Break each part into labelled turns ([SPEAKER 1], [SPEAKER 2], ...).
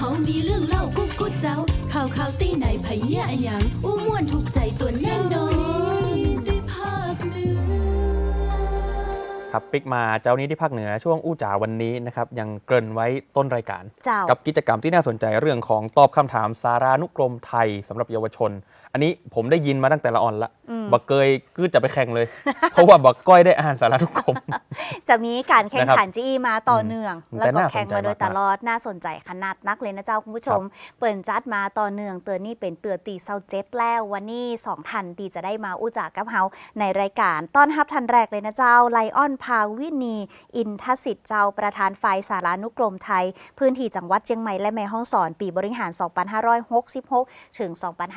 [SPEAKER 1] ามีเรื่องเล่ากุ๊กกุ๊กเจ้าข่าวตีไหนไผเหี้ยอะหยังอู้ม่วนถูกใจตัวแน่นอนที่ภาคเหนือ
[SPEAKER 2] ครับปิกมาเจ้านี้ที่ภาคเหนือช่วงอู้จ๋าวันนี้นะครับยังเกริ่นไว้ต้นรายการกับกิจกรรมที่น่าสนใจเรื่องของตอบคำถามสารานุกรมไทยสำหรับเยาวชนอันนี้ผมได้ยินมาตั้งแต่ละอ่อนละบักเกยก็จะไปแข่งเลย เพราะว่าบักก้อยได้อ่านสารานุกรม
[SPEAKER 3] จะมีการแข่งขันจีมาต่อเนื่องแล้วก็แข่งมาโดยตลอดน่าสนใจขนาดนักเลยนะเจ้าคุณผู้ชมเปิดจัดมาต่อเนื่องเตือนนี่เป็นเตือนตีเซาเจ็ดแล้ววันนี้2ทันตีจะได้มาอู้จากกับเฮาในรายการต้อนรับทันแรกเลยนะเจ้าไลออนพาวินีอินทสิทธิ์เจ้าประธานฝ่ายสารานุกรมไทยพื้นที่จังหวัดเชียงใหม่และแม่ฮ่องสอนปีบริหาร2566ถึง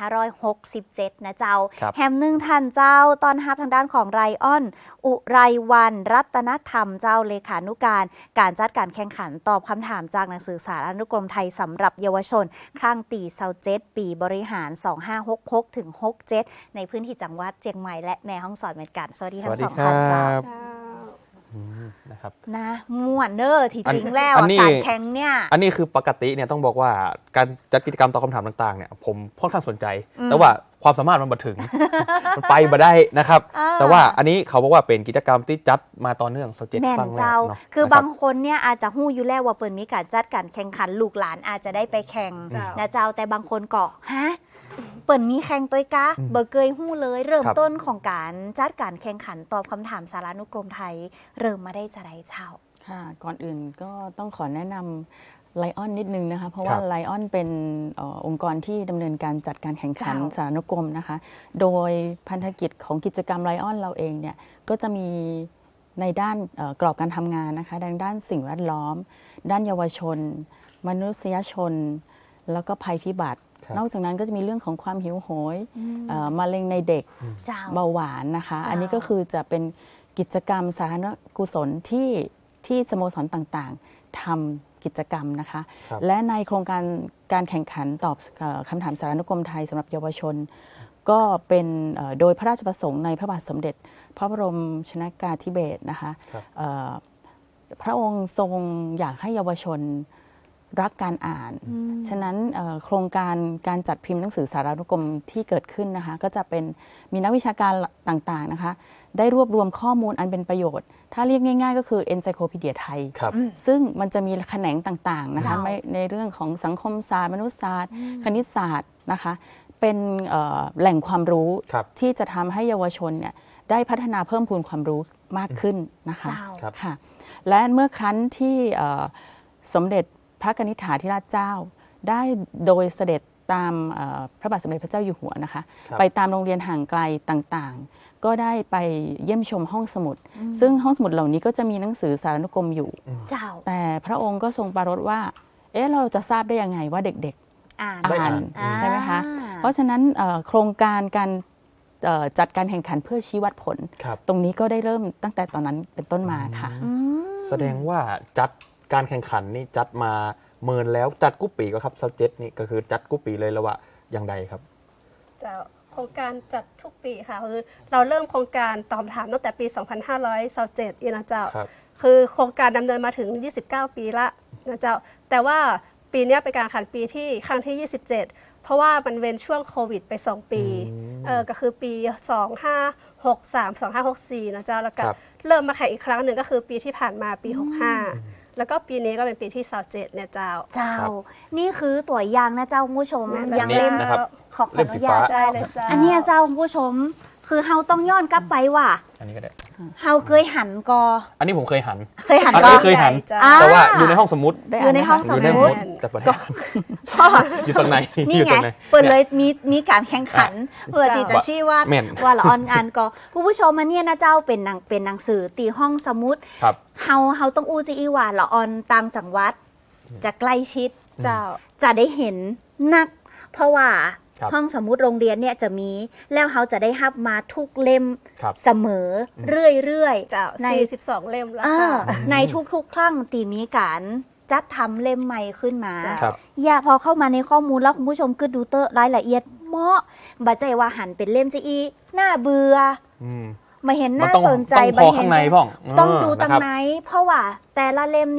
[SPEAKER 3] 2567นะเจ้าแฮมนึ่งทันเจ้าตอนรับทางด้านของไรออนอุไรวันรัตนธรรมเจ้าเลขานุการจัดการแข่งขันตอบคำถามจากหนังสือสารานุกรมไทยสำหรับเยาวชนครั้งตีเซาเจ็ดปีบริหาร2566ถึง67ในพื้นที่จังหวัดเชียงใหม่และแม่ฮ่องสอนเหมือนกันสวัสดีทั้งสองท่านเจ้า
[SPEAKER 2] นะครับ
[SPEAKER 3] นะม่วนเนอร์ที่จริงแล้วการแข่งเนี่ย
[SPEAKER 2] อันนี้คือปกติเนี่ยต้องบอกว่าการจัดกิจกรรมตอบคำถามต่างๆเนี่ยผมค่อนข้างสนใจแต่ว่าความสามารถมันมาถึง มันไปมาได้นะครับแต่ว่าอันนี้เขาบอกว่าเป็นกิจกรรมที่จัดมาต่อเนื่องโซเจ็ตฟังแล้วเนาะ
[SPEAKER 3] คือบางคนเนี่ยอาจจะหู้อยู่แล้วว่าเปิดมีการจัดการแข่งขันลูกหลานอาจจะได้ไปแข่งนะเจ้าแต่บางคนก็ฮะเปิดมีแข่งตัวกะเบอร์เกยหู้เลยเริ่มต้นของการจัดการแข่งขันตอบคำถามสารานุกรมไทยเริ่มมาได้จะได้เช่า
[SPEAKER 4] ค่ะก่อนอื่นก็ต้องขอแนะนำไลออนนิดนึงนะคะเพราะว่าไลออนเป็นองค์กรที่ดำเนินการจัดการแข่งขันสารานุกรมนะคะโดยพันธกิจของกิจกรรมไลออนเราเองเนี่ยก็จะมีในด้านกรอบการทำงานนะคะด้านสิ่งแวดล้อมด้านเยาวชนมนุษยชนแล้วก็ภัยพิบัตินอกจากนั้นก็จะมีเรื่องของความหิวโหยมะเร็งในเด็กเบาหวานนะคะอันนี้ก็คือจะเป็นกิจกรรมสาธารณกุศลที่สโมสรต่างๆทำกิจกรรมนะคะและในโครงการแข่งขันตอบคำถามสารานุกรมไทยสำหรับเยาวชนก็เป็นโดยพระราชประสงค์ในพระบาทสมเด็จพระบรมชนกาธิเบศรนะคะพระองค์ทรงอยากให้เยาวชนรักการอ่านฉะนั้นโครงการจัดพิมพ์หนังสือสารานุกรมที่เกิดขึ้นนะคะก็จะเป็นมีนักวิชาการต่างๆนะคะได้รวบรวมข้อมูลอันเป็นประโยชน์ถ้าเรียกง่ายๆก็คือ Encyclopedia ไทยซึ่งมันจะมีแขนงต่างๆนะคะในเรื่องของสังคมศาสตร์มนุษยศาสตร์คณิตศาสตร์นะคะเป็นแหล่งความรู้ที่จะทำให้เยาวชนเนี่ยได้พัฒนาเพิ่มพูนความรู้มากขึ้นนะคะค่ะและเมื่อครั้นที่สมเด็จพระกนิษฐาธิราชเจ้าได้โดยเสด็จตามพระบาทสมเด็จพระเจ้าอยู่หัวนะคะไปตามโรงเรียนห่างไกลต่างๆก็ได้ไปเยี่ยมชมห้องสมุดซึ่งห้องสมุดเหล่านี้ก็จะมีหนังสือสารานุกรมอยู่แต่พระองค์ก็ทรงปรารภว่าเราจะทราบได้ยังไงว่าเด็กๆอ่านใช่ไหมคะเพราะฉะนั้นโครงการการจัดการแข่งขันเพื่อชี้วัดผลตรงนี้ก็ได้เริ่มตั้งแต่ตอนนั้นเป็นต้นมาค่ะ
[SPEAKER 2] แสดงว่าจัดการแข่งขันนี่จัดมาเมินแล้วจัดกุ๊ปปีก็ครับซับเจ็ตนี่ก็คือจัดกุ๊ปปีเลยแล้วว่าอย่างใดครับ
[SPEAKER 5] จะโครงการจัดทุกปีค่ะคือเราเริ่มโครงการตอบคำถามตั้งแต่ปี 2527นะเจ้าคือโครงการดำเนินมาถึง29 ปีละนะเจ้าแต่ว่าปีนี้เป็นการแข่งขันปีที่ครั้งที่27เพราะว่ามันเว้นช่วงโควิดไป2 ปีก็คือปี2563 2564นะเจ้าแล้วก็เริ่มมาแข่งอีกครั้งหนึ่งก็คือปีที่ผ่านมาปี65แล้วก็ปีนี้ก็เป็นปีที่27เนี่ยเจ้า
[SPEAKER 3] นี่คือตัวอย่างนะเจ้าผู้ชม
[SPEAKER 2] ยังเล่ม
[SPEAKER 3] ขออนุญาตอันนี้เจ้าผู้ชมคือเฮาต้องย้อนกลับไปว่า
[SPEAKER 2] อันนี้ก็ได้
[SPEAKER 3] เฮาเคยหันกอ
[SPEAKER 2] อันนี้ผมเคยหัน
[SPEAKER 3] ก็
[SPEAKER 2] เคยหันแต่ว่าอยู่ในห้องสมุด
[SPEAKER 3] อยู่ในห้องสมุด
[SPEAKER 2] แต่ประเด็นอยู่ตรงไหน
[SPEAKER 3] นี่ไงเปิดเลยมีการแข่งขันเพื่อที่จะชี้ว่าละออนงานก็ผู้ชมมาเนี่ยนะเจ้าเป็นหนังสือตีห้องสมุดเฮาต้องอู้จีอีว่าละออนต่างจังหวัดจะใกล้ชิดเจ้าจะได้เห็นนักเพราะว่าห้องสมุดโรงเรียนเนี่ยจะมีแล้วเขาจะได้รับมาทุกเล่มเสมอเรื่อย
[SPEAKER 5] ๆใน42 เล่มแล้ว
[SPEAKER 3] ในทุกๆครั้งตีมีการจัดทำเล่มใหม่ขึ้นมาอย่าพอเข้ามาในข้อมูลแล้วคุณผู้ชมก็ดูเตอร์รายละเอียดเหมาะบัดใจว่าหันเป็นเล่มจะอีหน้าเบื่อมาเห็นน่าสนใจ
[SPEAKER 2] ต้องพอข้างในพ่อง
[SPEAKER 3] ต้องดูตั้งไหนเพราะว่าแต่ละเล่มเนี่ย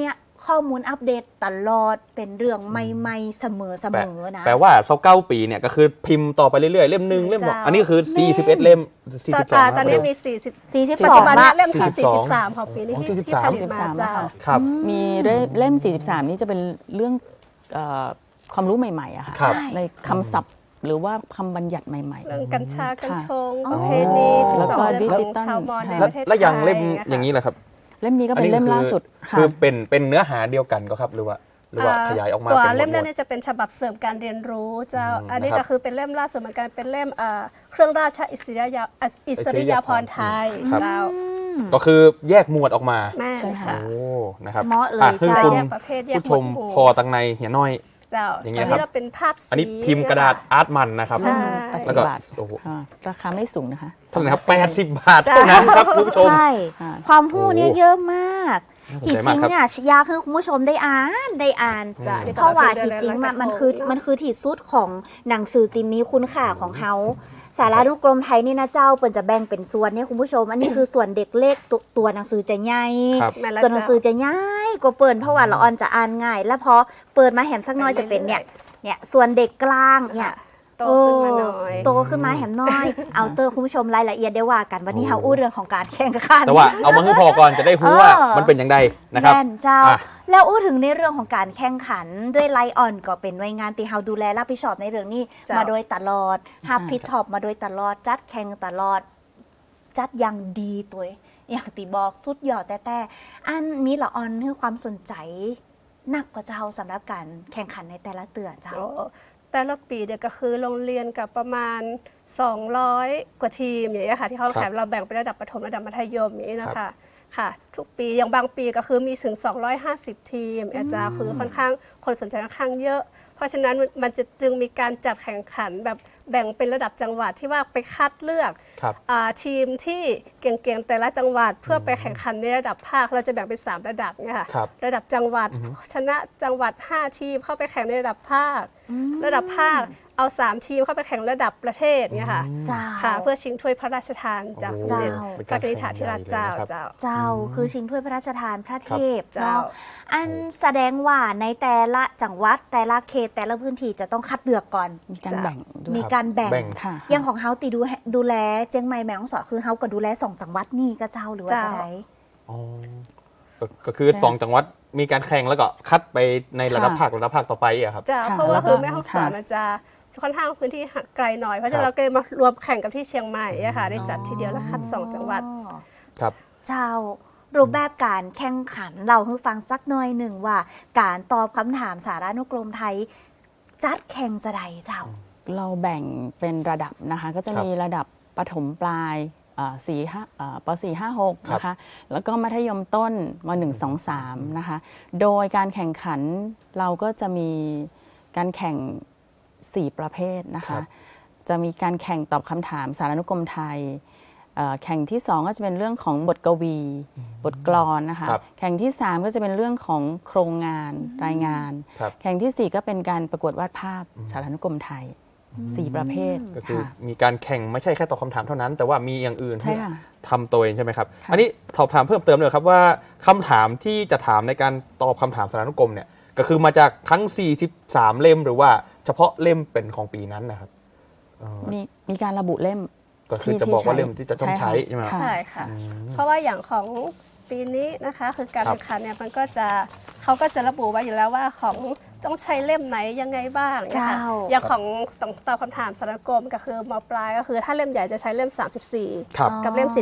[SPEAKER 3] ข้อมูลอัปเดตตลอดเป็นเรื่องใหม่ๆเสมอนะ
[SPEAKER 2] แปลว่า29 ปีเนี่ยก็คือพิมพ์ต่อไปเรื่อยๆเล่มหนึ่งเล่มสองอันนี้คือ41เล่ม
[SPEAKER 5] ตอนนี้มี
[SPEAKER 3] 42
[SPEAKER 5] ปัจจุบันนี้เล่มที่43ของปีนี้ที่ผลิตมาเจ้า
[SPEAKER 2] ครับ
[SPEAKER 4] มีเล่ม 43 นี่จะเป็นเรื่องความรู้ใหม่ๆอะค่ะในคำศัพท์หรือว่าคำบัญญัติใหม่ๆ
[SPEAKER 5] เรื่องกัญชากัญชงประเพณี12เรื่องของชาวมอญในประเทศไทย
[SPEAKER 2] แล้วอย่างเล่มอย่างนี้แหละครับ
[SPEAKER 4] เล่มนี้ก็เป็นเล่มล่าสุด
[SPEAKER 2] คือเป็นเนื้อหาเดียวกันก็ครับหรือว่าขยายออกมา
[SPEAKER 5] ตัวเล่มนั้นจะเป็นฉบับเสริมการเรียนรู้เจ้าอันนี้ก็คือเป็นเล่มล่าสุดเหมือนกันเป็นเล่มเครื่องราชอิสริยาภรณ์ไทยเจ้า
[SPEAKER 2] ก็คือแยกหมวดออกมา
[SPEAKER 5] ใช่ค่ะ
[SPEAKER 2] โอ้นะครับ
[SPEAKER 3] เหมาะเลย
[SPEAKER 2] จ้า
[SPEAKER 5] แยกประเภทแยก
[SPEAKER 2] ผู้ชมพอตังในเหี่ยน้อย
[SPEAKER 5] เจ้าอันนี้เราเป็นภาพสี
[SPEAKER 2] อันนี้พิมพ์กระดาษอาร์ตมันนะครับ
[SPEAKER 4] แล้วก็ราคาไม่สูงนะคะ
[SPEAKER 2] เท่าไหร่ครับ80 บาทเท่านั้นครับคุณผู้ชม
[SPEAKER 3] ใช่ความรู้เนี่ยเยอะมากที่จริงเนี่ยอยากให้คุณผู้ชมได้อ่านเพราะว่าที่จริงมันคือที่สุดของหนังสือติมีคุณค่าของเฮาสารานุกรมไทยนี่นะเจ้าเปิ่นจะแบ่งเป็นส่วนเนี่ยคุณผู้ชมอันนี้คือส่วนเด็กเล็กตัวหนังสือจะใหญ่ตัวหนังสือจะใหญ่กว่าเปิ่นเพราะว่าละออนจะอ่านง่ายแล้วพอเปิดมาแหมสักน้อยจะเป็นเนี่ยส่วนเด็กกลางเนี่ย
[SPEAKER 5] โตขึ้นมาหน่อย
[SPEAKER 3] โตขึ้นมาแหมน้อยเอาเตอร์คุณผู้ชมรายละเอียดได้ว่ากันวันนี้เฮาอู้เรื่องของการแข่งขัน
[SPEAKER 2] แต่ว่าเอามาให้พอก่อนจะได้รู้ว่ามันเป็นอย่างไรนะครับ
[SPEAKER 3] แม่นเจ้าแล้วอู้ถึงในเรื่องของการแข่งขันด้วยไลออนก็เป็นหน่วยงานที่เฮาดูแลรับผิดชอบในเรื่องนี้มาโดยตลอดรับผิดชอบมาโดยตลอดจัดแข่งตลอดจัดอย่างดีตัวอย่างที่บอกสุดยอดแต่อันมีละออนคือความสนใจนักกว่าเจ้าสำหรับการแข่งขันในแต่ละเตือนเจ้า
[SPEAKER 5] แต่ละปีเดียวก็คือโรงเรียนกับประมาณ200 กว่าทีมอย่างนี้ค่ะที่เขาแข่งเราแบ่งเป็นระดับประถมระดับมัธยมอย่างนี้นะคะค่ะทุกปีอย่างบางปีก็คือมีถึง250 ทีมอาจารย์คือค่อนข้างคนสนใจค่อนข้างเยอะเพราะฉะนั้นมันจะจึงมีการจัดแข่งขันแบบแบ่งเป็นระดับจังหวัดที่ว่าไปคัดเลือกทีมที่เก่งๆแต่ละจังหวัดเพื่อไปแข่งขันในระดับภาคเราจะแบ่งเป็น3 ระดับเนี่ยค่ะระดับจังหวัดชนะจังหวัด5 ทีมเข้าไปแข่งในระดับภาคระดับภาคเอา3 ทีมเข้าไปแข่งระดับประเทศเนี่ยค่ะค่ะเพื่อชิงถ้วยพระราชทานจากสมเด็จพระนิธิธิราชเจ้า
[SPEAKER 3] คือชิงถ้วยพระราชทานพระเทพเจ้าอันแสดงว่าในแต่ละจังหวัดแต่ละเขตแต่ละพื้นที่จะต้องคัดเลือกก่อน
[SPEAKER 4] มีการแบ่ง
[SPEAKER 3] อย่างของเฮาตีดูแลเจียงใหม่แม่ฮ่องสอนคือเฮาก็ดูแล2 จังหวัดนี่ก็เจ้าหรือว่าจะได้
[SPEAKER 2] ก็คือ2 จังหวัดมีการแข่งแล้วก็คัดไปในระดับภาคต่อไปอ่ะครับ
[SPEAKER 5] เพราะว่าคือแม่ฮ่องสอนมันจะค่อนข้างพื้นที่ไกลหน่อยเพราะฉะนั้นเราก็เลยมารวมแข่งกับที่เชียงใหม่ค่ะได้จัดทีเดียวแล้วคัด2 จังหวัด
[SPEAKER 2] ครับ
[SPEAKER 3] เจ้ารูปแบบการแข่งขันเราให้ฟังสักหน่อยหนึ่งว่าการตอบคำถามสารานุกรมไทยจัดแข่งจะใดเจ้า
[SPEAKER 4] เราแบ่งเป็นระดับนะคะก็จะมีระดับประถมปลายป.4 5 6นะคะแล้วก็มัธยมต้นม.1 2 3นะคะโดยการแข่งขันเราก็จะมีการแข่ง4 ประเภทนะคะจะมีการแข่งตอบคำถามสารานุกรมไทยแข่งที่2ก็จะเป็นเรื่องของบทกวีบทกลอนนะคะแข่งที่3ก็จะเป็นเรื่องของโครงงานรายงานแข่งที่4ก็เป็นการประกวดวาดภาพสารานุกรมไทย4 ประเภท
[SPEAKER 2] ก็คือมีการแข่งไม่ใช่แค่ตอบคำถามเท่านั้นแต่ว่ามีอย่างอื่นที่ทำตัวเองใช่ไหมครับอันนี้สอบถามเพิ่มเติมเลยครับว่าคำถามที่จะถามในการตอบคำถามสารานุกรมเนี่ยก็คือมาจากทั้ง43 เล่มหรือว่าเฉพาะเล่มเป็นของปีนั้นนะครับ
[SPEAKER 4] มีการระบุเล่ม
[SPEAKER 2] ก็คือจะบอกว่าเล่มที่จะต้องใช้ใช่ไหม
[SPEAKER 5] ใช่ค่ะเพราะว่าอย่างของปีนี้นะคะคือการแข่งขันเนี่ยมันก็จะเขาก็จะระบุไว้อยู่แล้วว่าของต้องใช้เล่มไหนยังไงบ้างนะคะอย่างของตอบคำถามสารานุกรมก็คือม.ปลายก็คือถ้าเล่มใหญ่จะใช้เล่ม34กับเล่ม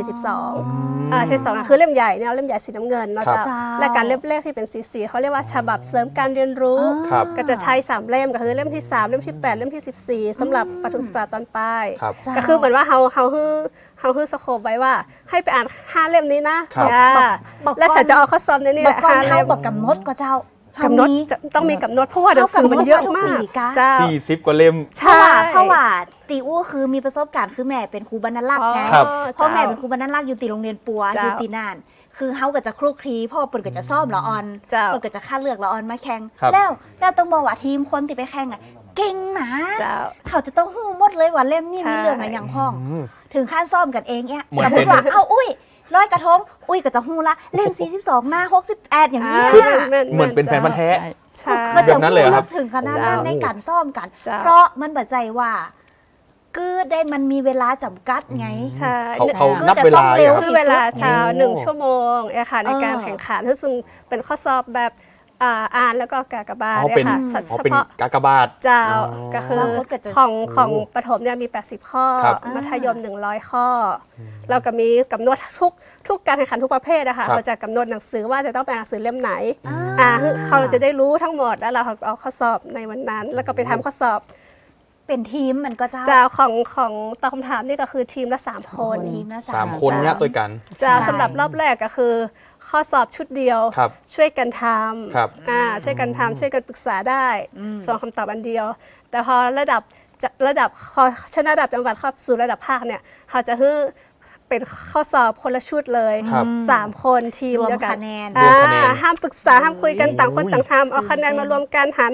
[SPEAKER 5] 42ใช่2คือเล่มใหญ่เนี่ยเล่มใหญ่สีน้ำเงินเนาะจ้ะและการเล่มแรกที่เป็นสีเขาเรียกว่าฉบับเสริมการเรียนรู้ก็จะใช้3 เล่มก็คือเล่มที่3เล่มที่8เล่มที่14สำหรับประถมศึกษาตอนปลายก็คือเหมือนว่าเขาคือสโคปไว้ว่าให้ไปอ่าน5 เล่มนี้นะและฉันจะเอาข้อสอบในนี่แหละ
[SPEAKER 3] 5 เล่มบอกกำหนดก็เจ้าก
[SPEAKER 5] ำหนดต้องมีกำหนดเพราะว่าหนังสือมันเยอะมาก
[SPEAKER 2] 40 กว่าเล่ม
[SPEAKER 3] เพราะว่าตีอู้คือมีประสบการณ์คือแม่เป็นครูบรรณลักษณ์ไงเพราะแม่เป็นครูบรรณลักษณ์อยู่ตีโรงเรียนปัวอยู่ตีน่านคือเฮาก็จะคลุกคลีพ่อเปิ่นก็จะซ่อมละออนเปิ่นก็จะคัดเลือกละออนมาแข่งแล้วต้องบอกว่าทีมคนที่ไปแข่งอ่ะเก่งนะเขาจะต้องฮู้หมดเลยว่าเล่มนี้มีเรื่องอะไรอย่างพ้องถึงขั้นซ่อมกันเองเนี่ยสมมติว่าอุ้ยร้อยกระทงอุ้ยก็จะฮู้ละเล่ม42หน้า68อย่างนี้
[SPEAKER 2] คือ
[SPEAKER 3] อะ
[SPEAKER 2] เหมือนเป็นแฟนพันธุ์แท้
[SPEAKER 5] ใช่
[SPEAKER 3] ก็
[SPEAKER 2] แบ
[SPEAKER 3] จะ
[SPEAKER 2] บนั้นเลยเหรอครับ
[SPEAKER 3] ถึงขนาดนั้นในการซ่อมกัน
[SPEAKER 5] เจ้า
[SPEAKER 3] เพราะมันบัดใจว่าคือได้มันมีเวลาจำกัดไง
[SPEAKER 5] ใช่
[SPEAKER 2] เขานับเวลา
[SPEAKER 3] คือจะต้องเร็ว
[SPEAKER 2] ครับ
[SPEAKER 5] คือเวลาเช้า
[SPEAKER 2] โอ้
[SPEAKER 5] 1 ชั่วโมงเนี่ยค่ะในการแข่งขันซึ่งเป็นข้อสอบแบบอ่านแล้วก็กากบาท
[SPEAKER 2] อ๋อ
[SPEAKER 5] เนี่
[SPEAKER 2] เป็น
[SPEAKER 5] ยค่ะ
[SPEAKER 2] อ๋อ
[SPEAKER 5] เฉ
[SPEAKER 2] เป็น
[SPEAKER 5] พาะ
[SPEAKER 2] กากบาท
[SPEAKER 5] เจ้า
[SPEAKER 2] อ๋อ
[SPEAKER 5] ก็คือ
[SPEAKER 3] แล้วก็จะ
[SPEAKER 5] ของประถมเนี่ยมี 80 ข้อ
[SPEAKER 2] ครับ
[SPEAKER 5] มัธยม 100 ข้ออเราก็มีกำหนดทุกการแข่งขันทุกประเภทนะคะ
[SPEAKER 2] ครับ
[SPEAKER 5] เราจะกำหนดหนังสือว่าจะต้องเป็นหนังสือเล่มไหน
[SPEAKER 3] อ่า
[SPEAKER 5] คือเขาจะได้รู้ทั้งหมดแล้วเราเอาข้อสอบในวันนั้น แล้วก็ไปทำข้อสอบ
[SPEAKER 3] เป็นทีมมันก็จะ
[SPEAKER 5] เจ้าของตอบคำถามนี่ก็คือทีมละ3 คน
[SPEAKER 3] ทีมละ
[SPEAKER 2] สามคนเนี้ยตัวกัน
[SPEAKER 5] เจ้า
[SPEAKER 3] ใช่
[SPEAKER 5] สำหรับรอบแรกก็คือ ข้อสอบชุดเดียว
[SPEAKER 2] ครับ
[SPEAKER 5] ช่วยกันท
[SPEAKER 2] ครับ
[SPEAKER 5] ำช่วยกันทำช่วยกันปรึกษาได้ส่งคำตอบอันเดียว แต่พอระดับพอชนะระดับจังหวัดเข้าสู่ระดับภาคเนี่ยเขาจะให้เป็นข้อสอบคนละชุดเลย
[SPEAKER 2] ครับ
[SPEAKER 5] 3 คนทีม
[SPEAKER 3] รวม
[SPEAKER 5] เดียวกัน
[SPEAKER 3] คะแนน
[SPEAKER 2] รวมคะแนน
[SPEAKER 5] ห้ามปรึกษาห้ามคุยกันต่างคนต่างทำเอาคะแนนมารวมกันหาร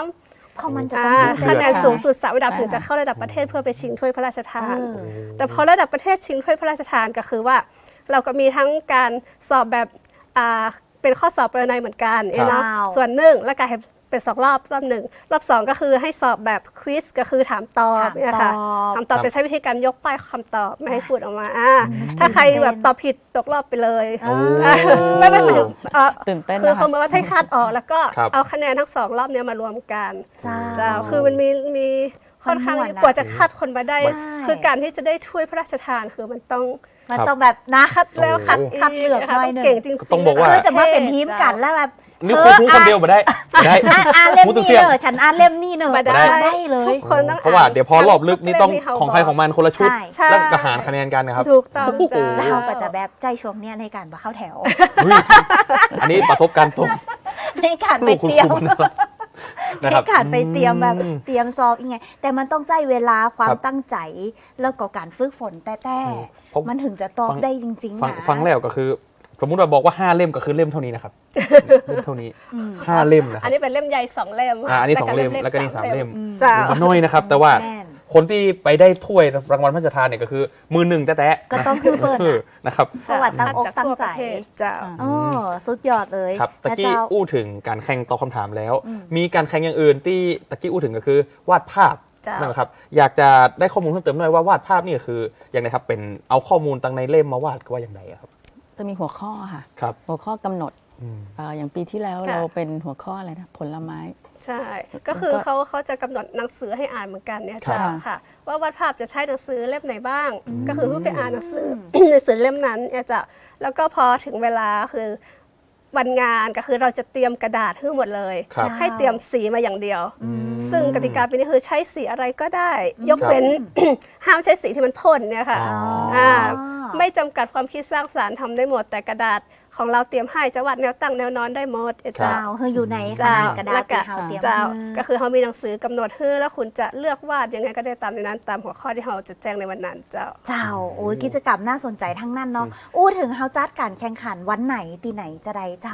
[SPEAKER 5] 3
[SPEAKER 3] เพราะมันจะต้องพูด
[SPEAKER 5] คะแนน
[SPEAKER 3] ได้
[SPEAKER 5] สูงสุด3ระดับ
[SPEAKER 4] ใช่
[SPEAKER 5] ถึงจะเข้าระดับประเทศเพื่อไปชิงถ้วยพระราชทาน
[SPEAKER 3] เออ
[SPEAKER 5] แต่พอระดับประเทศชิงถ้วยพระราชทานก็คือว่า เราก็มีทั้งการสอบแบบเป็นข้อสอบประนัยเหมือนกันเนาะ
[SPEAKER 3] ครับ
[SPEAKER 5] ส่วนหนึ่งแล้วก็เป็น2 รอบหนึ่งรอบ2ก็คือให้สอบแบบควิสก็คือถามตอบเนี่ยค่ะถามตอบจะใช้วิธีการยกป้ายคำตอบไม่ให้พูดออกมาถ้าใครแบบตอบผิดตกรอบไปเลย
[SPEAKER 2] โอ้
[SPEAKER 5] ไม่หมายถึง
[SPEAKER 4] ตื่นเต้น
[SPEAKER 5] คือ
[SPEAKER 4] นะคะ
[SPEAKER 5] เขาเหมือนว่าให้คาดออกแล้วก็
[SPEAKER 2] ครับ
[SPEAKER 5] เอาคะแนนทั้ง2 รอบเนี้ยมารวมกัน
[SPEAKER 3] เจ้า
[SPEAKER 5] คือมันมีค่อนข้าง
[SPEAKER 3] มันม่วนนะ
[SPEAKER 5] กว่าจะคัดคนมาได้
[SPEAKER 3] ใช่
[SPEAKER 5] คือการที่จะได้ถ้วยพระราชทานคือมันต้อง
[SPEAKER 3] มันต้องแบบนะ
[SPEAKER 5] คัดแล้วคัด
[SPEAKER 2] โอ้โห
[SPEAKER 3] คัดเลือก
[SPEAKER 5] นะคะ
[SPEAKER 3] หน่อย
[SPEAKER 5] ต้อง
[SPEAKER 3] หนึ่ง
[SPEAKER 5] เก่งจริงๆ
[SPEAKER 2] ต้องบอกว่า
[SPEAKER 3] คือจะมาเป็นทีมกันแล้วแบบ
[SPEAKER 2] นี่คุยพูดคนเดียวมาได้ไม่ได้
[SPEAKER 3] อ่านเล่ม
[SPEAKER 2] พูด
[SPEAKER 3] นี้
[SPEAKER 2] เสียง
[SPEAKER 3] เลยฉันอ่านเล่มนี้เนอะ
[SPEAKER 5] มาได้
[SPEAKER 3] ได้เลย
[SPEAKER 5] ทุกคนต้อง
[SPEAKER 2] เพราะว่าเดี๋ยวพอรอบลึกนี่ต้อง
[SPEAKER 5] ทุกเล่ม
[SPEAKER 2] ของใครของมันคนละชุด
[SPEAKER 3] ใช่
[SPEAKER 2] แล้วก็หารคะแนนกันนะครับ
[SPEAKER 5] ถูกต้อง
[SPEAKER 2] โอ้โห
[SPEAKER 5] จ้า
[SPEAKER 3] แล้วเราก็จะแบบใจช่วงเนี้ยในการมาเข้าแถว
[SPEAKER 2] เฮ้ยอันนี้ประสบการณ์ตรง
[SPEAKER 3] ในการไป
[SPEAKER 2] ลูกคุณ
[SPEAKER 3] เตรีย
[SPEAKER 2] ค
[SPEAKER 3] ม
[SPEAKER 2] รูนะครับ
[SPEAKER 3] ใน
[SPEAKER 2] นะครับ
[SPEAKER 3] การไปเตรียมแบบเตรียมสอบยังไง แต่มันต้องใจเวลาความ
[SPEAKER 2] ครับ
[SPEAKER 3] ตั้งใจแล้วก็การฝึกฝนแต่
[SPEAKER 2] ผม
[SPEAKER 3] มันถึงจะตอบ
[SPEAKER 2] ฟัง
[SPEAKER 3] ได้จริงๆ
[SPEAKER 2] ฟัง
[SPEAKER 3] นะ
[SPEAKER 2] ฟังแล้วก็คือ สมมุติว่าบอกว่า5 เล่มก็คือเล่มเท่านี้นะครับเล่มเท่านี้5 เล่มนะค
[SPEAKER 5] อั
[SPEAKER 2] รั
[SPEAKER 5] น
[SPEAKER 2] บ
[SPEAKER 5] นี้เป็นเล่มใหญ่2 เล่มค่ะ
[SPEAKER 2] อันนี้2 เล่ม
[SPEAKER 5] ก
[SPEAKER 2] แล้วก็นี่3 เล่ม
[SPEAKER 5] จ้า
[SPEAKER 2] มันน้อยนะครับ แต่ว่า
[SPEAKER 3] แม่น
[SPEAKER 2] คนที่ไปได้ถ้วยรางวัลพระราชทานเนี่ยก็คือมือหนึ่งแต๊ะๆ
[SPEAKER 3] ก็ต้องคือเปิด
[SPEAKER 2] นะครับ
[SPEAKER 3] จังหวัดตั้งอกตั้งใจ
[SPEAKER 5] จ้า
[SPEAKER 3] อ๋อสุดยอดเลย
[SPEAKER 2] ครับตะ
[SPEAKER 3] นะ
[SPEAKER 2] กี้
[SPEAKER 3] เจ้า
[SPEAKER 2] อู้ถึงการแข่งตอบคำถามแล้ว มีการแข่งอย่างอื่นที่ตะกี้อู้ถึงก็คือวาดภาพ
[SPEAKER 5] จ้ะ
[SPEAKER 2] นั่นแหละครับอยากจะได้ข้อมูลเพิ่มเติมหน่อยว่าวาดภาพนี่คืออย่างไรครับเป็นเอาข้อมูลตั้งในเล่มมาวาดก็ว่าอย่างไรครับ
[SPEAKER 4] จะมีหัวข้อค่ะ
[SPEAKER 2] ครับ
[SPEAKER 4] หัวข้อกำหนด
[SPEAKER 2] อืม
[SPEAKER 4] อย่างปีที่แล้ว
[SPEAKER 5] ค่ะ
[SPEAKER 4] เราเป็นหัวข้ออะไรนะผลไม้
[SPEAKER 5] ใช่ ก็คือ
[SPEAKER 4] แล้วก็
[SPEAKER 5] เขาจะกำหนดหนังสือให้อ่านเหมือนกันเนี่ย
[SPEAKER 2] ครับ
[SPEAKER 5] จ้าค่ะ ว่าวาดภาพจะใช้หนังสือเล่มไหนบ้าง ก็คือเพื่อไปอ่านหนังสือ หนังสือเล่มนั้นเนี่ยจ้ะแล้วก็พอถึงเวลาคือวันงานก็คือเราจะเตรียมกระดาษให้หมดเลย
[SPEAKER 2] ครับ
[SPEAKER 5] ให้เตรียมสีมาอย่างเดียว ซึ่งกติกาปีนี้คือใช้สีอะไรก็ได้ ยกเว้น ห้ามใช้สีที่มันพ่นเนี่ยค่ะ
[SPEAKER 2] อ๋อ
[SPEAKER 5] ไม่จำกัดความคิดสร้างสรรค์ทำได้หมด แต่กระดาษของเราเตรียมให้จะวาดแนวตั้งแนวนอนได้หมด
[SPEAKER 2] ครับ
[SPEAKER 3] เจ้าเฮออยู่ในขนาดกระดาษที่เขาเตรียม
[SPEAKER 5] เจ้า
[SPEAKER 3] ให้
[SPEAKER 5] ก็คือเขามีหนังสือกำหนดให้แล้วคุณจะเลือกวาดยังไงก็ได้ตามในนั้นตามหัวข้อที่เขาจะแจ้งในวันนั้นเจ้า
[SPEAKER 3] เจ้าโอ้ยกิจกรรมน่าสนใจทั้งนั้นเนาะอู้ถึงเฮาจัดการแข่งขันวันไหนตีไหนจะได้เจ้า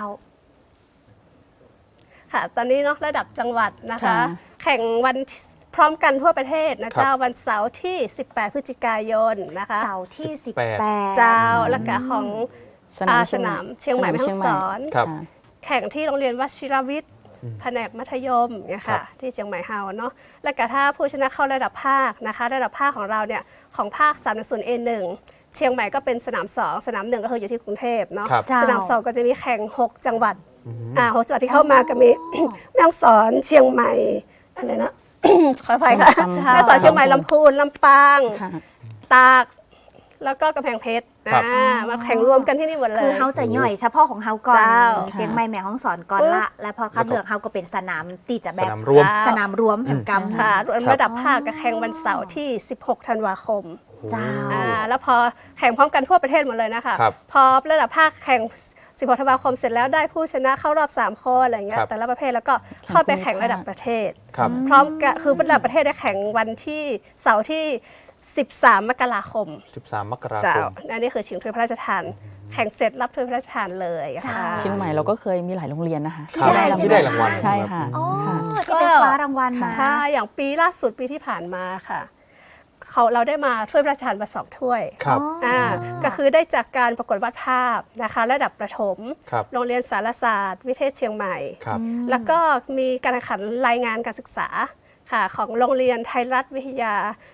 [SPEAKER 5] ค่ะ ตอนนี้เนาะระดับจังหวัดนะคะ
[SPEAKER 4] ค่ะ
[SPEAKER 5] แข่งวันพร้อมกันทั่วประเทศนะ
[SPEAKER 2] ครับ
[SPEAKER 5] เจ้าวันเสาร์ที่ 18 พฤศจิกายนนะคะ
[SPEAKER 3] เสาร์ที่
[SPEAKER 2] 18
[SPEAKER 3] 18
[SPEAKER 5] เจ้าแล้วก็ของ
[SPEAKER 4] สนาม
[SPEAKER 5] สนามเชียงใหม่แม่ฮ่องสอน
[SPEAKER 2] ครับ
[SPEAKER 4] ค่ะ
[SPEAKER 5] แข่งที่โรงเรียนวชิรวิทย์แผนกมัธยมเนี่ย
[SPEAKER 2] ครั
[SPEAKER 5] ค่ะ
[SPEAKER 2] บ
[SPEAKER 5] ที่เชียงใหม่เฮาเนาะแล้วก็ถ้าผู้ชนะเข้าระดับภาคนะคะ ระดับภาคของเราเนี่ยของภาค3.0 A1 เชียงใหม่ก็เป็นสนาม 2 สนาม 1 ก็คืออยู่ที่กรุงเทพเนาะ
[SPEAKER 2] ครับ
[SPEAKER 3] เจ้า
[SPEAKER 5] สนาม 2 ก็จะมีแข่ง 6 จังหวัด6จังหวัดที่เข้ามาก็มี แม่ฮ่องสอนเชียงใหม่อะไรนะ ขออภัยค่ะ
[SPEAKER 4] ลำปาง
[SPEAKER 5] แม่ฮ่องสอนเชียงใหม่ลำพูนลำปาง
[SPEAKER 4] ค่ะ
[SPEAKER 5] ตากแล้วก็กำแพงเพชร
[SPEAKER 2] ครับ
[SPEAKER 5] มาแข่งรวมกันที่นี่หมดเลย
[SPEAKER 3] คือเฮาจะย่อยเฉพาะของเฮาก่อน
[SPEAKER 5] เจ้า
[SPEAKER 3] เชียงใหม่แม่ฮ่องสอนก่อน
[SPEAKER 5] ปึ๊บ
[SPEAKER 3] ละ แล้วพอคัดเลือกเฮาก็เป็นสนามตีจะแบ
[SPEAKER 2] ส
[SPEAKER 3] บ
[SPEAKER 2] นามรวม
[SPEAKER 3] สนามรวมแห่งกรรม
[SPEAKER 5] ค่ะรวม
[SPEAKER 2] ครับ
[SPEAKER 5] ระดับภาคก็แข่งวันเสาร์ที่ 16 ธันวาคม
[SPEAKER 3] เจ้า
[SPEAKER 5] แล้วพอแข่งพร้อมกันทั่วประเทศหมดเลยนะคะ
[SPEAKER 2] ครับ
[SPEAKER 5] พอระดับภาคแข่ง 16 ธันวาคมเสร็จแล้วได้ผู้ชนะเข้ารอบ 3 คนอะไรเงี้
[SPEAKER 2] ค
[SPEAKER 5] ย
[SPEAKER 2] รับ
[SPEAKER 5] แต่ละประเภทแล้วก็เข้าไปแข่งระดับประเทศ
[SPEAKER 2] ครับ
[SPEAKER 5] พร้อมกันคือระดับประเทศได้แข่งวันที่เสาร์ที่ 13 มกราคม
[SPEAKER 2] 13 มกรา
[SPEAKER 5] เจ้า
[SPEAKER 2] คม
[SPEAKER 5] อันนี้คือชิงถ้วยพระราชทาน แข่งเสร็จรับถ้วยพระราชทานเลยค่ะ
[SPEAKER 4] เชียงใหม่เราก็เคยมีหลายโรงเรียนนะคะ
[SPEAKER 2] ครับที่ได้รางวัล
[SPEAKER 4] ใช่ค่ะ
[SPEAKER 3] อ๋อ
[SPEAKER 4] ค่ะ
[SPEAKER 3] ที่ไปคว้ารางวัลมา
[SPEAKER 5] ใช่ อย่างปีล่าสุดปีที่ผ่านมาค่ะเราได้มาถ้วยพระราชทานมา2 ถ้วย
[SPEAKER 2] ครับ
[SPEAKER 5] ก็คือได้จากการประกวดวาดภาพนะคะระดับประถม
[SPEAKER 2] ครับ
[SPEAKER 5] โรงเรียนสารศาสตร์ วิเทศเชียงใหม่
[SPEAKER 2] ครับ
[SPEAKER 5] แล้วก็มีการแข่งขันรายงานการศึกษาค่ะของโรงเรียนไทยรัฐวิทยา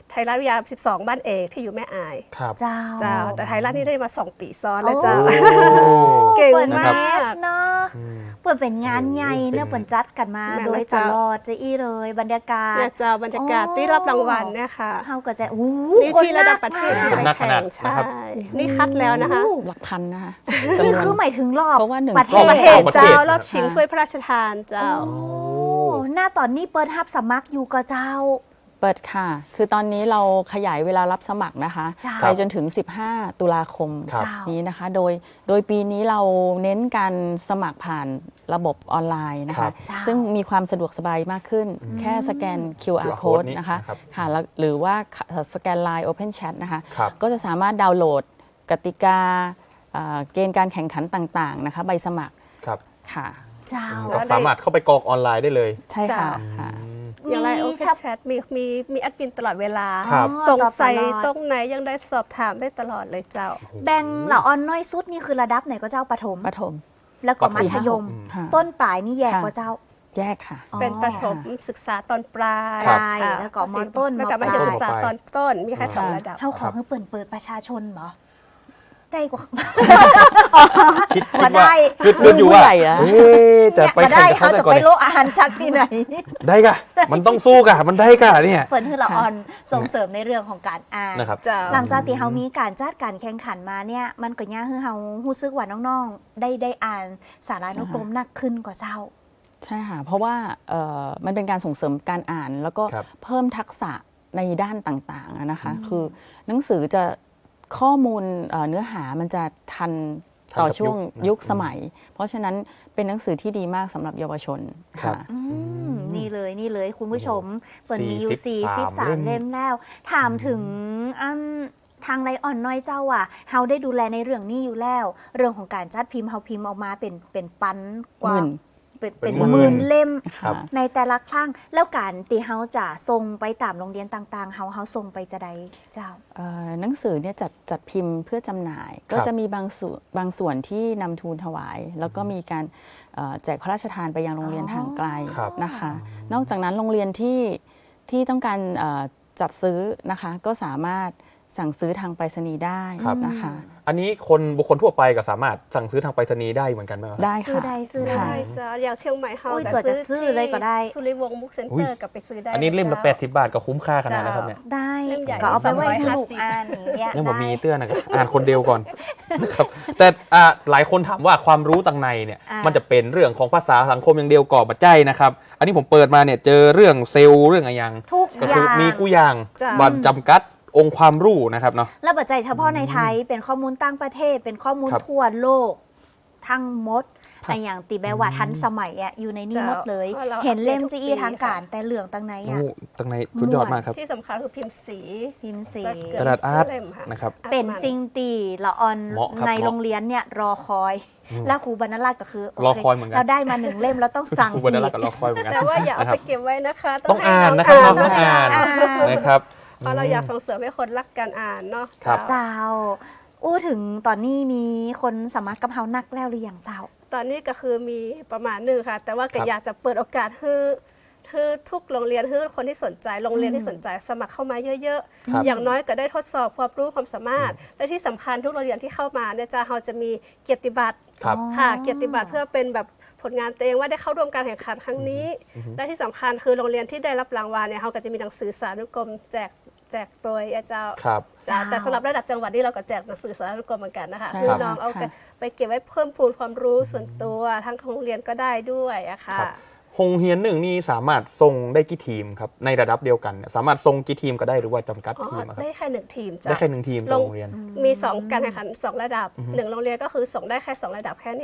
[SPEAKER 5] 12 บ้านเอกที่อยู่แม่อาย
[SPEAKER 2] ครับ
[SPEAKER 3] เจ้า
[SPEAKER 5] เจ้าแต่ไทยรัฐนี่ได้มา2 ปีซ้อนแล้วเจ้า
[SPEAKER 2] โอ้
[SPEAKER 5] เก่ง
[SPEAKER 3] เปิด
[SPEAKER 5] มาก
[SPEAKER 3] เนาะ
[SPEAKER 2] อืม
[SPEAKER 3] เปิดเป็นงานใหญ่เนอะ
[SPEAKER 2] เป็น
[SPEAKER 3] เปิดจัดกันมา
[SPEAKER 5] แม่น
[SPEAKER 3] โดย
[SPEAKER 5] แล้ว
[SPEAKER 3] ต
[SPEAKER 5] เจ้า
[SPEAKER 3] ลอดจะอี้เลยบรรยากาศ
[SPEAKER 5] เนี่ยเจ้าบรรยากาศที่รับรางวัลเนี่ยค่ะ
[SPEAKER 3] เฮาก็จะอู้
[SPEAKER 5] นี่ที่ระดับประเทศ
[SPEAKER 2] คนนักขนาด
[SPEAKER 5] ไปแข่ง
[SPEAKER 2] นะครับ
[SPEAKER 5] ใช่นี่คัดแล้วนะคะ
[SPEAKER 4] หลักพันนะคะ
[SPEAKER 3] นี่
[SPEAKER 4] จำนวน
[SPEAKER 3] คือหมายถึงรอบ
[SPEAKER 4] เพราะว่าหนึ่ง
[SPEAKER 3] ประเท
[SPEAKER 2] รอบประเท
[SPEAKER 3] ศ
[SPEAKER 2] ศ
[SPEAKER 5] เจ้ารอบ
[SPEAKER 2] นะครับ
[SPEAKER 5] ชิงถ้วยพระราชทานเจ้า
[SPEAKER 3] โอ้หน้าตอนนี้เปิดรับสมัครอยู่ก็เจ้า
[SPEAKER 4] เปิดค่ะ คือตอนนี้เราขยายเวลารับสมัครนะคะ
[SPEAKER 3] จ้า
[SPEAKER 4] ไปจนถึง 15 ตุลาคม
[SPEAKER 2] ครับ
[SPEAKER 4] นี้นะคะ โดยปีนี้เราเน้นการสมัครผ่านระบบออนไลน์นะ
[SPEAKER 2] ครั
[SPEAKER 4] คะ
[SPEAKER 2] บ
[SPEAKER 3] จ้า
[SPEAKER 4] ซึ่งมีความสะดวกสบายมากขึ้น แค่สแกน QR
[SPEAKER 2] QR
[SPEAKER 4] code
[SPEAKER 2] นี้
[SPEAKER 4] นะคะ
[SPEAKER 2] นะครับ
[SPEAKER 4] ค่ะแล้วหรือว่าสแกน Line Open Chat นะคะ
[SPEAKER 2] ครับ
[SPEAKER 4] ก็จะสามารถดาวน์โหลดกติกาเกณฑ์การแข่งขันต่างๆนะคะ ใบสมัคร
[SPEAKER 2] ครับ
[SPEAKER 4] ค่ะ
[SPEAKER 3] เจ้า
[SPEAKER 2] ก็สามารถเข้าไปกรอกออนไลน์ได้เลย
[SPEAKER 4] ใช่ค่ะ
[SPEAKER 5] จ้า
[SPEAKER 4] ค่ะ
[SPEAKER 5] อย่างไรโอเพ
[SPEAKER 3] มี
[SPEAKER 5] นแชทมีแอดมินตลอดเวลา
[SPEAKER 2] ครับ
[SPEAKER 5] สงสัย
[SPEAKER 3] ตอบตลอด
[SPEAKER 5] ตรงไหนยังได้สอบถามได้ตลอดเลยเจ้า
[SPEAKER 3] แบ่งเหล่าออนน้อยสุดนี่คือระดับไหนก็เจ้าประถม
[SPEAKER 4] ประถม
[SPEAKER 3] แล้วก็มัธยม
[SPEAKER 4] ค่ะ
[SPEAKER 3] ต้นปลายนี่แยก
[SPEAKER 4] ค่ะ
[SPEAKER 3] ก็เจ้า
[SPEAKER 4] แยกค่ะ
[SPEAKER 3] อ๋อ
[SPEAKER 5] เป็นประถมศึกษาตอนปลาย
[SPEAKER 3] ครับ
[SPEAKER 5] ค่ะ
[SPEAKER 3] แล้วก็มต้น
[SPEAKER 5] แล้วก็
[SPEAKER 3] มป
[SPEAKER 5] มั
[SPEAKER 3] ลาย
[SPEAKER 5] ธยมศึกษาตอนต้นมีแค่สอง
[SPEAKER 4] ค่ะ
[SPEAKER 5] ระดับ
[SPEAKER 3] เฮาขอให้เปิดประชาชนเหรอได้กว่า
[SPEAKER 2] คิด
[SPEAKER 3] มา
[SPEAKER 2] ว่า
[SPEAKER 3] ได้
[SPEAKER 2] คิดอยู่ว่า
[SPEAKER 4] ผู้ใหญ่อะ
[SPEAKER 2] เอ๊ะจะไป
[SPEAKER 3] มา
[SPEAKER 2] แข่
[SPEAKER 3] ได้
[SPEAKER 2] งกับ
[SPEAKER 3] เขา
[SPEAKER 2] เขาได้
[SPEAKER 3] จะ
[SPEAKER 2] ก่อน
[SPEAKER 3] ไป
[SPEAKER 2] เนี่ย
[SPEAKER 3] โลกอาหารจากที่ไหน
[SPEAKER 2] ได้กะมันต้องสู้กะมันได้กะเนี่ย
[SPEAKER 3] เปิดให้เราออนส่งเสริมในเรื่องของการอ่าน
[SPEAKER 2] นะครับ
[SPEAKER 5] เจ้า
[SPEAKER 3] หลังจากที่เฮามีการจัดการแข่งขันมาเนี่ยมันก็ย่าให้เฮารู้สึกว่าน้องๆได้อ่านสารานุกรมหนักขึ้นกว่าเจ้า
[SPEAKER 4] ใช่ค่ะ เพราะว่ามันเป็นการส่งเสริมการอ่าน แล้วก็
[SPEAKER 2] ครับ
[SPEAKER 4] เพิ่มทักษะในด้านต่างๆอะนะคะ คือหนังสือจะข้อมูลเนื้อหามันจะทันต่อช่วงยุคสมัย เพราะฉะนั้นเป็นหนังสือที่ดีมากสำหรับเยาวชน
[SPEAKER 2] ครั
[SPEAKER 4] ค่ะ
[SPEAKER 2] บ
[SPEAKER 3] นี่เลยคุณผู้ชมเปิดมีอยู่
[SPEAKER 2] 43
[SPEAKER 3] 43 เล่มแล้ว ถามถึงทางไลออนน้อยเจ้าอ่ะเฮาได้ดูแลในเรื่องนี้อยู่แล้ว เรื่องของการจัดพิมพ์เฮาพิมพ์ออกมาเป็นปันกว่า
[SPEAKER 4] หมื่น
[SPEAKER 3] เป็น
[SPEAKER 2] หมื่น
[SPEAKER 3] หมื่นเล่ม
[SPEAKER 2] ครับ
[SPEAKER 3] ในแต่ละครั้งแล้วการที่เฮาจะส่งไปตามโรงเรียนต่างๆเฮาส่งไปจะใดเจ้า
[SPEAKER 4] หนังสือเนี่ยจัดพิมพ์เพื่อจำหน่าย ก็จะมีบางส่วนที่นำทูลถวาย แล้วก็มีการแจกพระราชทานไปยังโรงเรียนห่างไกล
[SPEAKER 2] ครับ
[SPEAKER 4] นะคะ นอกจากนั้นโรงเรียนที่ต้องการจัดซื้อนะคะ ก็สามารถสั่งซื้อทางไปรษณีย์ได้
[SPEAKER 2] ครับ
[SPEAKER 4] นะคะ
[SPEAKER 2] อันนี้บุคคลทั่วไปก็สามารถสั่งซื้อทางไปรษณีย์ได้เหมือนกันไหมครับ
[SPEAKER 4] ได้
[SPEAKER 3] ซื้อ
[SPEAKER 4] ค่ะ
[SPEAKER 3] ได้ซื้อ
[SPEAKER 4] ค่ะ
[SPEAKER 3] ได้
[SPEAKER 5] เจ้าอย่างเชียงใหม่เฮา
[SPEAKER 3] อุ้ย
[SPEAKER 5] ก็
[SPEAKER 3] ตัวจะซื้อเลยก็ได้
[SPEAKER 5] สุริวงศ์บุ๊กเซ็น
[SPEAKER 2] อุ้
[SPEAKER 5] เตอย ร์กับไปซื้อได้
[SPEAKER 2] อันนี้เล่มละ
[SPEAKER 5] จ้า
[SPEAKER 2] 80 บาทก็คุ้มค่าขนาดนะครับเนี่ย
[SPEAKER 3] ได้
[SPEAKER 5] เล่มใหญ่
[SPEAKER 3] ก็เอาไปไว้ให้
[SPEAKER 5] 350
[SPEAKER 3] ลูกอ่านอย่างเงี้ย
[SPEAKER 2] ยังผม
[SPEAKER 3] ได้
[SPEAKER 2] มีเตื้อนนะครับอ่านคนเดียวก่อน นะครับแต่หลายคนถามว่าความรู้ต่างในเนี่ย
[SPEAKER 3] อ่ามั
[SPEAKER 2] มันจะเป็นเรื่องของภาษาสังคมอย่างเดียวก่อปัจจัยนะครับ อันนี้ผมเปิดมาเนี่ยเจอเรื่องเซลล์เรื่องอะไรอย่าง
[SPEAKER 3] ทุก
[SPEAKER 2] ก็
[SPEAKER 3] อ
[SPEAKER 2] คือย่าง มีกูอย่าง
[SPEAKER 5] จ้ะ
[SPEAKER 2] บันจำกัดองค์ความรู้นะครับเนาะ
[SPEAKER 3] และปัจจัยเฉพาะในไทยเป็นข้อมูลต่างประเทศ เป็นข้อมูล
[SPEAKER 2] ครับ
[SPEAKER 3] ทั่วโลก ทั้งหมด
[SPEAKER 2] ครับ
[SPEAKER 3] ไออย่างตีแบว่าทันสมัยอะอยู่ในนี้หมดเลย
[SPEAKER 5] เพราะเรา
[SPEAKER 3] เห็นเล่ม
[SPEAKER 5] อัปเดตทุ
[SPEAKER 3] จี
[SPEAKER 5] ก
[SPEAKER 3] อี
[SPEAKER 5] ปี
[SPEAKER 3] ทางการ
[SPEAKER 5] ค่ะ
[SPEAKER 3] แต่เหลืองตั้งไหนอะ
[SPEAKER 2] โอ้ตั้งในสุดยอดมากครับ
[SPEAKER 5] ที่สำคัญคือพิมพ์สี
[SPEAKER 3] พิมพ์สี
[SPEAKER 5] สัเกื
[SPEAKER 2] ก
[SPEAKER 5] อบ
[SPEAKER 2] ระดาษอาร์ต
[SPEAKER 5] เล่มค่ะ
[SPEAKER 2] นะครับ
[SPEAKER 3] เป็นสิ่งตีละออน
[SPEAKER 2] เหมาะครับ
[SPEAKER 3] ใน
[SPEAKER 2] เหมาะ
[SPEAKER 3] โรงเรียนเนี่ยรอคอย แล้วครูบรรณราชก็คือโ
[SPEAKER 2] รอคอยเหมือนกัน
[SPEAKER 3] เราได้มา1 เล่มแล้วต้องสั่ง
[SPEAKER 2] ครู
[SPEAKER 3] อี
[SPEAKER 2] บรรณรัต
[SPEAKER 3] ก
[SPEAKER 2] น์กับรอคอยเหมือนกัน
[SPEAKER 5] แต่ว่าอย่าเอา
[SPEAKER 2] นะครั
[SPEAKER 5] ไป
[SPEAKER 2] บ
[SPEAKER 5] เก็บไว้นะคะ
[SPEAKER 2] ต้อง
[SPEAKER 5] ให้
[SPEAKER 2] อ่าน
[SPEAKER 5] ง
[SPEAKER 2] นะครับ
[SPEAKER 5] ต้องอ่าน
[SPEAKER 2] นะครับ
[SPEAKER 5] เพราะเราอยากส่งเสริมให้คนรักการอ่านเนาะ
[SPEAKER 2] ครับ
[SPEAKER 3] เจ้าอู้ถึงตอนนี้มีคนสมัครกับเฮานักแล้วหรือยังเจ้า
[SPEAKER 5] ตอนนี้ก็คือมีประมาณหนึงค่ะ แต่ว่าก็อยากจะเปิดโอกาสให้ทุกโรงเรียนให้คนที่สนใจโรงเรียนที่สนใจสมัครเข้ามาเยอะ
[SPEAKER 2] ครับ
[SPEAKER 5] ๆ อย่างน้อยก็ได้ทดสอบความรู้ความสามารถ และที่สำคัญทุกโรงเรียนที่เข้ามาเนี่ยจะเราจะมีเกียรติบัตร
[SPEAKER 2] ครับ
[SPEAKER 5] ค่ะเกียรติบัตรเพื่อเป็นแบบผลงานตัวเองว่าได้เข้าร่วมการแข่งขันครั้งนี้ และที่สำคัญคือโรงเรียนที่ได้รับรางวัลเนี่ยเขาก็จะมีหนังสือสารุกรมแจกโดยอาจารย์
[SPEAKER 2] ครับ
[SPEAKER 5] จ้ะแต่สำหรับระดับจังหวัดนี่เราก็แจกหนังสือสารุกรมเหมือนกันนะคะ
[SPEAKER 4] ใช่
[SPEAKER 5] คือ
[SPEAKER 2] ครับ
[SPEAKER 5] น้องเอา
[SPEAKER 4] ค่ะ
[SPEAKER 5] ไปเก็บไว้เพิ่มพูนความรู้ส่วนตัวทั้งของโรงเรียนก็ได้ด้วยอะค่ะ
[SPEAKER 2] ครับ โรงเรียนหนึ่งนี่สามารถส่งได้กี่ทีมครับในระดับเดียวกันเนี่ยสามารถส่งกี่ทีมก็ได้หรือว่าจำกัด
[SPEAKER 5] อ๋อ
[SPEAKER 2] ทีมอะครับ
[SPEAKER 5] ได้แค่หนึ่งทีมจ้ะ
[SPEAKER 2] ได้แค่1 ทีมต่อโรงเรียน
[SPEAKER 5] มี2การแข่งขัน2 ระดับ1โรงเรียนก็คือส่งได้แค่2 ระดับแค่นี้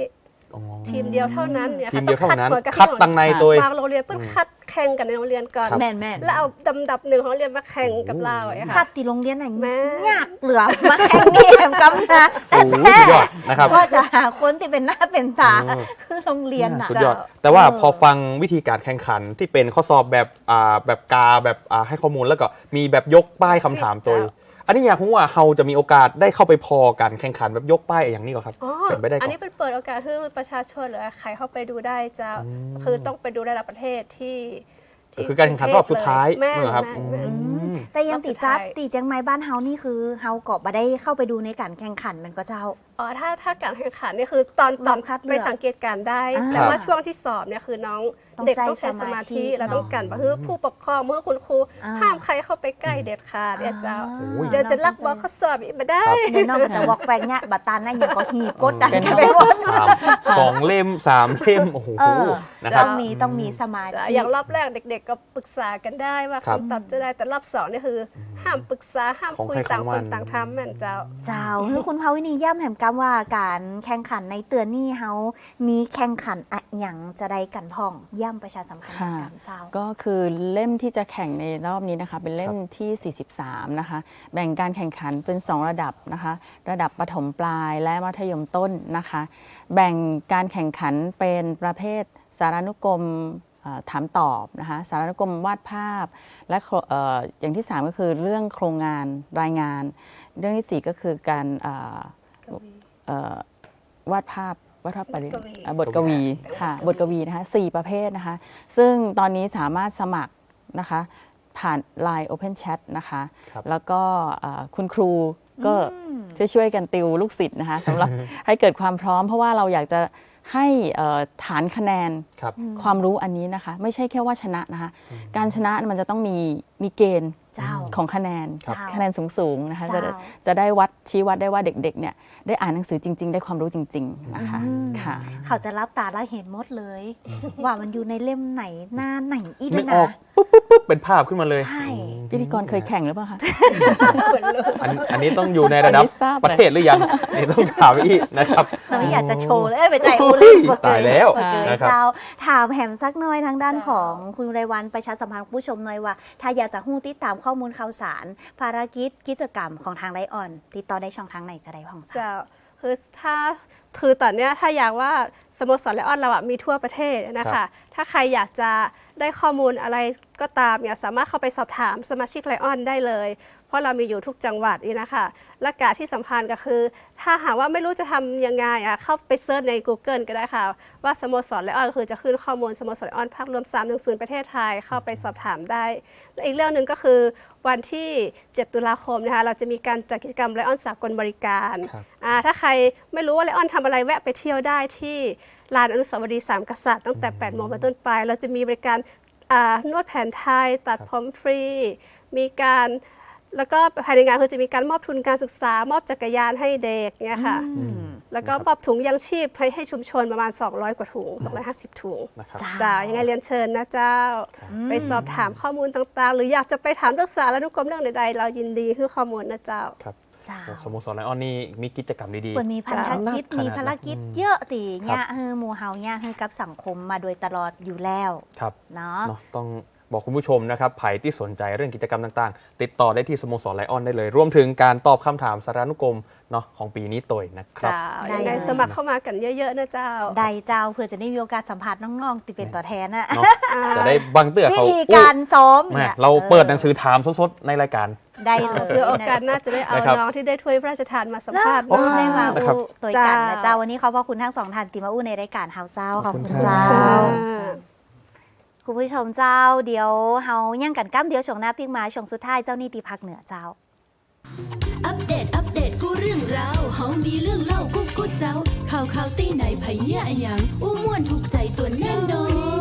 [SPEAKER 5] ทีมเดียวเท่านั้นเนี่ย
[SPEAKER 2] ทีมเดียวเท่านั้น
[SPEAKER 5] ต้อง
[SPEAKER 2] คัดตังในตัว
[SPEAKER 5] บางโรงเรียนเพิ่งคัดแข่งกันในโรงเรียนก่อน
[SPEAKER 3] แม่น
[SPEAKER 5] แล้วเอาลำดับหนึ่งของโรงเรียนมาแข่งกับเราอะ
[SPEAKER 3] คั
[SPEAKER 5] ค่ะ
[SPEAKER 3] ดตีโรงเรียนไหน
[SPEAKER 5] แม่
[SPEAKER 3] ยากเหลือมาแข่งนี่แหมกำนะ
[SPEAKER 2] โอ้โหสุดยอดนะครับ
[SPEAKER 3] ว่าจะหาคนที่เป็นหน้าเป็นตา
[SPEAKER 2] เออ
[SPEAKER 3] คือโรงเรียนน่ะ
[SPEAKER 2] สุดยอด แต่ว่าพอฟังวิธีการแข่งขันที่เป็นข้อสอบแบบแบบกาแบบให้ข้อมูลแล้วก็มีแบบยกป้ายคำถามตัว อันนี้อยากรู้ว่าเราจะมีโอกาสได้เข้าไปพอการแข่งขันแบบยกป้ายอย่างนี้ก่อนครับ
[SPEAKER 5] อ๋อ
[SPEAKER 2] เป็นไปได้ก่
[SPEAKER 5] อั
[SPEAKER 2] อน น
[SPEAKER 5] นี้เป็นเปิดโอกาสให้ประชาชนหรือใครเข้าไปดูได้จะคือต้องไปดูระดับประเทศที่
[SPEAKER 2] คือการแข่งขันรอบสุดท้าย
[SPEAKER 5] แม่
[SPEAKER 2] เหรอครับ
[SPEAKER 5] แม่
[SPEAKER 3] แต่ยังติดจัด
[SPEAKER 5] รอบสุดท้าย
[SPEAKER 3] ตีเจียงไม้บ้านเฮานี่คือเฮาก็บ่ได้เข้าไปดูในการแข่งขันมันก็เจ้า
[SPEAKER 5] อ๋อถ้าการแข่งขันเนี่ยคือตอน
[SPEAKER 3] รอบคัดเลือก
[SPEAKER 5] ไปสังเกตการณ์ได้
[SPEAKER 3] อ่า
[SPEAKER 5] แต่ว่าช่วงที่สอบเนี่ยคือน้อง
[SPEAKER 3] ต้อง
[SPEAKER 5] เด็ก
[SPEAKER 3] ใจ
[SPEAKER 5] ต้องใช้สมาธิ
[SPEAKER 3] สมาธิ
[SPEAKER 5] และต้องกันเพื่อผู้ปกครองเมื่อคุณครู
[SPEAKER 3] อ่า
[SPEAKER 5] ห้ามใครเข้าไปใกล้เด็ดขาดเนี่ยเจ้า
[SPEAKER 2] โอ้ย
[SPEAKER 5] เดี๋ยวจะลักบอกข้อสอบอีกไม่ได้
[SPEAKER 3] เดี๋ยวน้องก็จะวอกแวกเนี่ยบัตรตาลนั่นยังก็หีบกดดัน
[SPEAKER 4] เป็น
[SPEAKER 3] กันไปหมด
[SPEAKER 2] 2 เล่ม 3 เล่ม โอ้โห
[SPEAKER 3] เออ
[SPEAKER 2] นะครับ
[SPEAKER 3] ต้องมีสมาธิ
[SPEAKER 5] อย่างรอบแรกเด็กๆก็ปรึกษากันได้ว่า
[SPEAKER 2] ครับ
[SPEAKER 5] คำตอบจะได้แต่รอบสองเนี่ยคือ ห้ามปรึกษาห้าม
[SPEAKER 2] ของ
[SPEAKER 5] คุย
[SPEAKER 2] ใคร
[SPEAKER 5] ต่าง
[SPEAKER 2] ของ
[SPEAKER 5] ค
[SPEAKER 2] มัน
[SPEAKER 5] นต่างทำแม่นเจ้า
[SPEAKER 3] เจ้าคือคุณภาวินีย่ำแหมกำว่าการแข่งขันในเตือนนี่เฮามีแข่งขันอะหยังจะได้กันพ่องย่ำประชาสัมพันธ์
[SPEAKER 4] ค่ะ
[SPEAKER 3] กันเจ้า
[SPEAKER 4] ก็คือเล่มที่จะแข่งในรอบนี้นะคะ เป็นเล่มที่ 43 นะคะ แบ่งการแข่งขันเป็น 2 ระดับนะคะ ระดับประถมปลายและมัธยมต้นนะคะ แบ่งการแข่งขันเป็นประเภทสารานุกรมถามตอบนะคะ สารานุกรมวาดภาพ และอย่างที่ 3 ก็คือเรื่องโครงงานรายงาน เรื่องที่ 4 ก็คือการวาดภาพบทกวีค่ะบทกวีนะคะ4ประเภทนะคะ ซึ่งตอนนี้สามารถสมัครนะคะผ่าน Line Open Chat นะคะ
[SPEAKER 2] ครับ
[SPEAKER 4] แล้วก็คุณครูก็ช่วยกันติวลูกศิษย์นะคะสำหรับให้เกิดความพร้อม เพราะว่าเราอยากจะให้ฐานคะแนน
[SPEAKER 2] ครับ
[SPEAKER 4] ความรู้อันนี้นะคะ ไม่ใช่แค่ว่าชนะนะคะ การชนะมันจะต้องมีเกณฑ์
[SPEAKER 3] เจ้า
[SPEAKER 4] ของคะแนน
[SPEAKER 3] ครับ
[SPEAKER 4] คะแนนสูงๆนะคะ
[SPEAKER 3] เจ้า
[SPEAKER 4] จะได้ชี้วัดได้ว่าเด็กๆเนี่ยได้อ่านหนังสือจริง ๆ ได้ความรู้จริง ๆนะคะค่ะ
[SPEAKER 3] เขาจะรับตาแล้วเห็นหมดเลย ว่ามันอยู่ในเล่มไหนหน้าไหนอีก
[SPEAKER 2] นึ
[SPEAKER 3] ด้ว
[SPEAKER 2] ก
[SPEAKER 3] ย
[SPEAKER 2] ออ
[SPEAKER 3] นะ
[SPEAKER 2] กปุ๊บเป็นภาพขึ้นมาเลย
[SPEAKER 3] ใช่
[SPEAKER 4] พิธีกรเคยแข่งหรือเปล่าคะ
[SPEAKER 2] อันนี้ต้องอยู่ในระดับ
[SPEAKER 4] อันนี้ทราบเลย
[SPEAKER 2] ประเทศหรือยังนี่ต้องถามอีกนะครับ
[SPEAKER 3] เราไม่อยากจะโชว์เลยไปใจอูเล่นบ่เก
[SPEAKER 2] ตายแล้ว
[SPEAKER 3] บ่เกย
[SPEAKER 2] นะครับ
[SPEAKER 3] เจ้าถามแหมสักหน่อยทางด้านของคุณไรวันประชาสัมพันธ์ผู้ชมหน่อยว่า ถ้าอยากจะหู้ติดตามข้อมูลข่าวสาร ภารกิจกรรมของทางไลออน ติดต่อได้ช่องทางไหนจะได้พ่องเจ้า
[SPEAKER 5] เจ้าคือตอนเนี้ยถ้าอยากว่าสโมสรไลออนเราอะมีทั่วประเทศนะ
[SPEAKER 2] ครั
[SPEAKER 5] คะ
[SPEAKER 2] บ
[SPEAKER 5] ถ้าใครอยากจะได้ข้อมูลอะไรก็ตามเนี่ยสามารถเข้าไปสอบถามสมาชิกไลออนได้เลย เพราะเรามีอยู่ทุกจังหวัดนี่นะคะและการที่สำคัญก็คือ ถ้าหากว่าไม่รู้จะทำยังไงอะเข้าไปเซิร์ชใน Google ก็ได้ค่ะ ว่าสโมสรไลออนคือจะขึ้นข้อมูลสโมสรไลออนภาครวม310ประเทศไทยเข้าไปสอบถามได้และอีกเรื่องหนึ่งก็คือวันที่ 7 ตุลาคมนะคะเราจะมีการจัดกิจกรรมไลออนสากลบริการ
[SPEAKER 2] ครับ
[SPEAKER 5] ถ้าใครไม่รู้ว่าไลออนทำอะไรแวะไปเที่ยวได้ที่ลานอนุสาวรีย์3 กษัตริย์ตั้งแต่ 8 โมงเป็นต้นไป เราจะมีบริการนวดแผนไทย ตัดผมฟรี มีการแล้วก็ภายในงานคือจะมีการมอบทุนการศึกษามอบจักรยานให้เด็กเนี่ยค่ะ แล้วก็มอบถุงยังชีพให้ชุมชนประมาณ 200 กว่าถุง 250 ถุง
[SPEAKER 2] นะครับ
[SPEAKER 5] จ้ายังไงเรียนเชิญนะเจ้า ไปสอบถามข้อมูลต่างๆ หรืออยากจะไปถามเรื่องสารานุกรมเรื่องใดๆ เรายินดีให้ข้อมูลนะเจ้า
[SPEAKER 2] ครับ
[SPEAKER 3] เจ้า
[SPEAKER 2] สโมสรไลออนนี่มีกิจกรรมดี
[SPEAKER 3] เปิดมีภารกิจ
[SPEAKER 2] ขนาดนั้น
[SPEAKER 3] มีภารกิจเยอะตีเนี่ยหมู่เฮาเนี่ยคือกับสังคมมาโดยตลอดอยู่แล้ว
[SPEAKER 2] ๆ ครับ
[SPEAKER 3] เนาะ
[SPEAKER 2] เนาะต้องบอกคุณผู้ชมนะครับไผ่ที่สนใจเรื่องกิจกรรมต่างๆ ติดต่อได้ที่สโมสรไลออนได้เลย รวมถึงการตอบคำถามสารานุกรมเนาะของปีนี้ตัวนะครับ
[SPEAKER 5] เจ้า
[SPEAKER 3] ได้
[SPEAKER 5] ยังไง
[SPEAKER 3] เลย
[SPEAKER 5] สมัครเข้ามากันเยอะๆนะเจ้า
[SPEAKER 3] ใดเจ้าเพื่อจะได้มีโอกาสสัมผัสน้องๆติเป็นตัวแทนนะ
[SPEAKER 2] เนาะจะได้บังเตือ
[SPEAKER 3] วิ
[SPEAKER 2] เขา
[SPEAKER 3] ธีการซ้อม
[SPEAKER 2] แม่
[SPEAKER 3] เนี่ย
[SPEAKER 2] เราเปิดหนังสือถามสดๆในรายการ
[SPEAKER 3] ได้เลย
[SPEAKER 5] เพื่อโอกาสน่าจะได้เอา
[SPEAKER 2] นะครับ
[SPEAKER 5] น้องที่ได้ถ้วยพระราชทานมาสัมภาษณ์
[SPEAKER 3] โอ้
[SPEAKER 5] เนาะ
[SPEAKER 3] ได้มา
[SPEAKER 2] นะครับ
[SPEAKER 3] อู้ตัวกันนะ
[SPEAKER 5] เจ้า
[SPEAKER 3] เจ้าวันนี้ขอบพระคุณทั้งสองท่านที่มาอู้ในรายการเฮาเจ้าขอบคุณ
[SPEAKER 2] ขอบคุณ
[SPEAKER 3] เจ้า
[SPEAKER 2] ครับ
[SPEAKER 3] คุณผู้ชมเจ้าเดี๋ยวเฮาย่างกันก้ำเดี๋ยวช่วงหน้าพิกมาช่วงสุดท้ายเจ้านี่ตีภาคเหนือเจ้า
[SPEAKER 1] อัปเดตกูเรื่องราวเฮามีเรื่องเล่ากูเจ้า ข่าวตีไหนไผเหี้ยอะหยังอู้ม่วนถูกใจตัวแน่นอน